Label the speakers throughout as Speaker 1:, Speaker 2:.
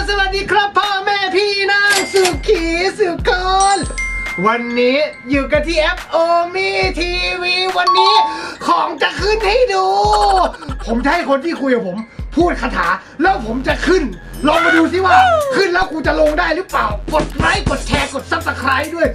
Speaker 1: สวัสดีครับพ่อแม่พี่น้องสุขีสุกรวันนี้อยู่กันที่แอปโอมีทีวีวันนี้ของจะขึ้นให้ดู ผมจะให้คนที่คุยกับผมพูดคาถาแล้วผมจะขึ้นลองมาดูสิว่าขึ้นแล้วกูจะลงได้หรือเปล่ากดไลค์กดแชร์กดซับสไครต์ด้วย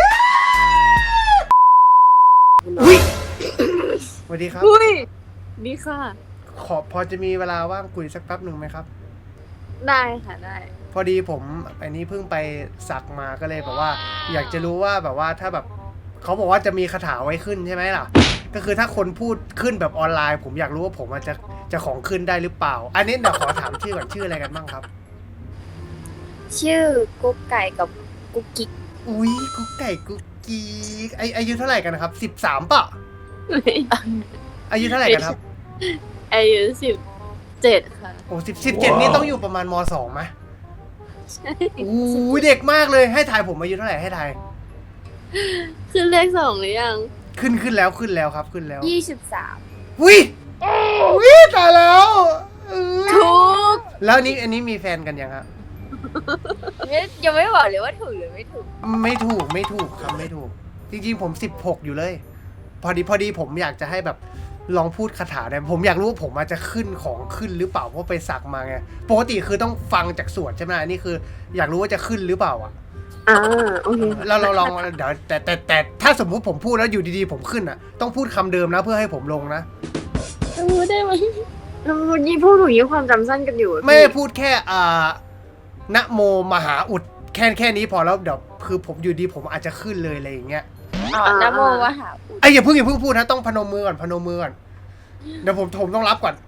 Speaker 1: อุ๊ยสวัสดีครับ
Speaker 2: ดีค่ะ
Speaker 1: พอจะมีเวลาว่างคุยสักแป๊บหนึ่งไหมครับ
Speaker 2: ได้ค่ะได้
Speaker 1: พอดีผมอันนี้เพิ่งไปสักมาก็เลยแบบว่าอยากจะรู้ว่าแบบว่าถ้าแบบเขาบอกว่าจะมีคาถาไว้ขึ้นใช่ไหมล่ะก็คือถ้าคนพูดขึ้นแบบออนไลน์ผมอยากรู้ว่าผมจะของขึ้นได้หรือเปล่าอันนี้เดี๋ยวขอถามชื่อก่อนชื่ออะไรกันบ้างครับ
Speaker 2: ชื่อกุ๊กไก่กับกุ๊กกิ๊ก
Speaker 1: อุ้ยกุ๊กไก่กุ๊กกิ๊กอายุเท่าไหร่กันนะครับ13ป่ะอายุเท่าไหร่กันครับ
Speaker 2: อายุ17ค่ะ
Speaker 1: โอ้17นี่ต้องอยู่ประมาณม2ไหม
Speaker 2: ใช่
Speaker 1: อู้เด็กมากเลยให้ถ่ายผมอายุเท่าไหร่ให้ถ่าย
Speaker 2: ขึ้นเลข2หรือยัง
Speaker 1: ขึ้นแล้วครับขึ้นแล้ว
Speaker 2: 23
Speaker 1: อุ้ยตายแล้ว
Speaker 2: ถูก
Speaker 1: แล้วอันนี้มีแฟนกันยังครับ
Speaker 2: ยังไม่บอกเลยว่าถูกหรือไม่ถูก
Speaker 1: ไม่ถูกครับไม่ถูกจริงๆผม16อยู่เลยพอดีผมอยากจะให้แบบลองพูดคาถาได้ผมอยากรู้ว่าผมจะขึ้นของขึ้นหรือเปล่าเพราะไปสักมาไงปกติคือต้องฟังจากสวดใช่ไหมอันนี้คืออยากรู้ว่าจะขึ้นหรือเปล่าอ่ะ
Speaker 2: โอเค
Speaker 1: เราลองเดี๋ยวแต่ถ้าสมมุติผมพูดแล้วอยู่ดีๆผมขึ้นอ่ะต้องพูดคำเดิมนะเพื่อให้ผมลงนะ
Speaker 2: ได้ไหมยี่พูดหนูยี่ความจำสั้นกันอยู่
Speaker 1: ไม่พูดแค่นะโมมหาอุดแค่นี้พอแล้วเดี๋ยวคือผมอยู่ดีผมอาจจะขึ้นเลยอะไรอย่างเงี้ย
Speaker 2: นะโมมหาอุด
Speaker 1: อย่าเพิ่งพูดนะต้องพนมมือก่อนเดี๋ยวผมต้องรับก่อน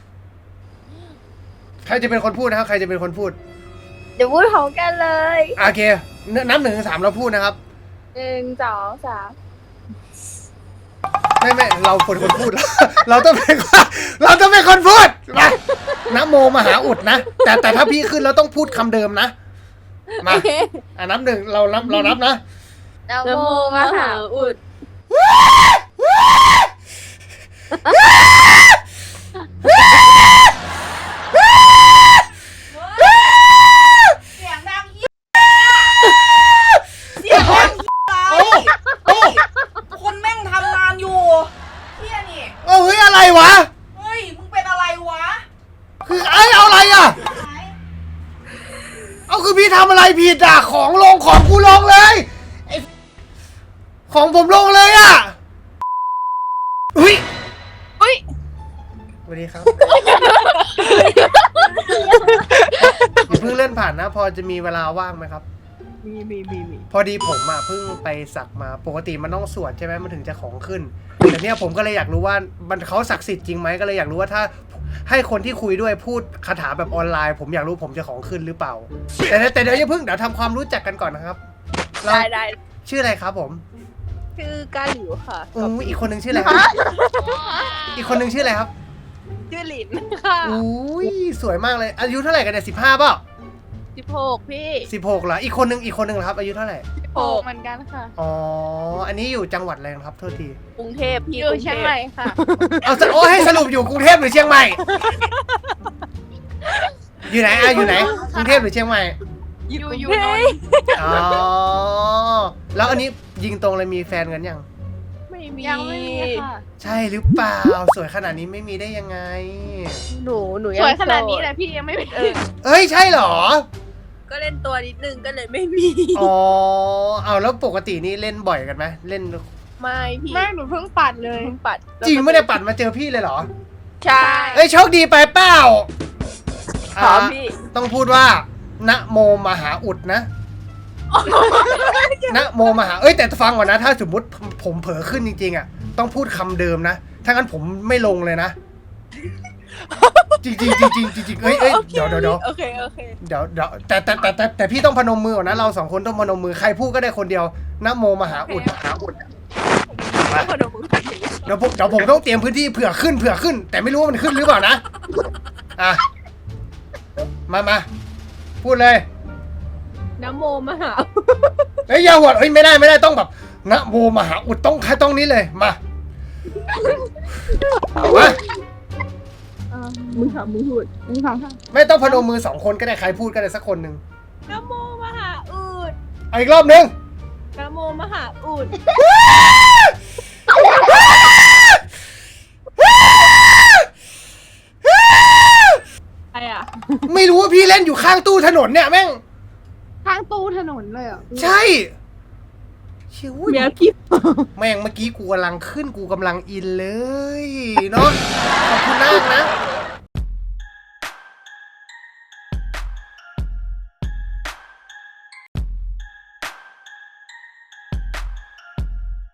Speaker 1: ใครจะเป็นคนพูดนะครับใครจะเป็นคนพูด
Speaker 2: เดี๋ยวพูดพร้อมกันเลย
Speaker 1: โอเคนับ1 ถึง 3เราพูดนะครับ
Speaker 2: 1 2 3
Speaker 1: ไม่เราเป็นคนพูดเราต้องเป็นคนพูดมานะโมมหาอุดนะแต่ถ้าพี่ขึ้นเราต้องพูดคำเดิมนะมานับ 1เรานับนะ
Speaker 2: นะโมมหาอุด
Speaker 3: เสียงดังยิ่งเสียงดังคนแม่งทำงานอยู่เฮียนี่
Speaker 1: เฮ้ยอะไรวะ
Speaker 3: เฮ้ยมึงเป็นอะไรวะ
Speaker 1: คือเอาอะไรอ่ะคือพี่ทำอะไรผิดอ่ะของกูลงเลยของผมลงเลยอ่ะอุ้ยสวัสดีครับอย่าเพิ่งเล่นผ่านนะพอจะมีเวลาว่างไหมครับ
Speaker 2: มี
Speaker 1: พอดีผมเพิ่งไปสักมาปกติมันต้องสวดใช่ไหมมันถึงจะของขึ้นแต่เนี้ยผมก็เลยอยากรู้ว่ามันเขาศักดิ์สิทธิ์จริงไหมก็เลยอยากรู้ว่าถ้าให้คนที่คุยด้วยพูดคาถาแบบออนไลน์ผมอยากรู้ผมจะของขึ้นหรือเปล่าแต่เดี๋ยวอย่าเพิ่งเดี๋ยวทำความรู้จักกันก่อนนะครับ
Speaker 2: ได้
Speaker 1: ชื่ออะไรครับผม
Speaker 2: ชื่อกาหลิวค่ะ
Speaker 1: อีกคนนึงชื่ออะไรครับอีกคนนึงชื่ออะไรครับ
Speaker 2: ชื่อหลินค่ะ
Speaker 1: อุ้ยสวยมากเลยอายุเท่าไหร่กันเนี่ย15เปล่า
Speaker 2: 16พี่
Speaker 1: 16เหรออีกคนนึงเหรอครับอายุเท่าไหร่
Speaker 2: 16เหมือนกันค่ะ
Speaker 1: อันนี้อยู่จังหวัดอะไรครับโทษที
Speaker 2: กรุงเทพพี่อยู่เชียงใหม่ค่ะ
Speaker 1: ให้สรุปอยู่กรุงเทพหรือเชียงใหม่อยู่ไหนกรุงเทพหรือเชียงใหม่
Speaker 2: อยู่
Speaker 1: แล้วอันนี้ยิงตรงเลยมีแฟนกันยัง
Speaker 2: ยังไม่มีค่ะ
Speaker 1: ใช่หรือเปล่าสวยขนาดนี้ไม่มีได้ยังไง
Speaker 2: หนูสวยขนาดนี้นะพี่ยังไม่มี
Speaker 1: ใช่เหรอ
Speaker 2: ก็เล่นตัวนิดนึงก็เลยไม่มี
Speaker 1: แล้วปกตินี่เล่นบ่อยกันไหมเล่น
Speaker 2: ไม่พี่ไม่หนูเพิ่งปัดเลย
Speaker 1: จริงไม่ได้ปัดมาเจอพี่เลยเหรอ
Speaker 2: ใช่
Speaker 1: โชคดีไปเปล่า
Speaker 2: พี่
Speaker 1: ต้องพูดว่านะโมมหาอุดนะนะโมมหาแต่ฟังก่อนนะถ้าสมมติผมเผลอขึ้นจริงๆอ่ะต้องพูดคำเดิมนะถ้างั้นผมไม่ลงเลยนะจริงเดี๋ยว
Speaker 2: โอเค
Speaker 1: เดี๋ยวแต่พี่ต้องพนมมือก่อนนะเรา2 คนต้องพนมมือใครพูดก็ได้คนเดียวนะโมมหาอุดเดี๋ยวผมต้องเตรียมพื้นที่เผื่อขึ้นแต่ไม่รู้ว่ามันขึ้นหรือเปล่านะมาพูดเลย
Speaker 2: นะโมมหา
Speaker 1: อย่าหวดไม่ได้ต้องแบบนะโมมหาอุดต้องนี้เลยมา
Speaker 2: มึงทำมึงพูดมึงทำค่ะ
Speaker 1: ไม่ต้องพนมมือ2 คนก็ได้ใครพูดก็ได้สักคนหนึ่ง
Speaker 4: นะโมมหาอูด
Speaker 1: เอาอีกรอบหนึง
Speaker 4: นะโมมหาอูดใครอ่ะ
Speaker 1: ไม่รู้ว่าพี่เล่นอยู่ข้างตู้ถนนเนี่ยแม่ง
Speaker 2: ข้างตู้ถนนเลยอ่ะ
Speaker 1: ใช่เชี่ย
Speaker 4: เมียพี่
Speaker 1: แม่งเมื่อกี้กูกำลังขึ้นกูกำลังอินเลยเนาะขอบคุณมากนะ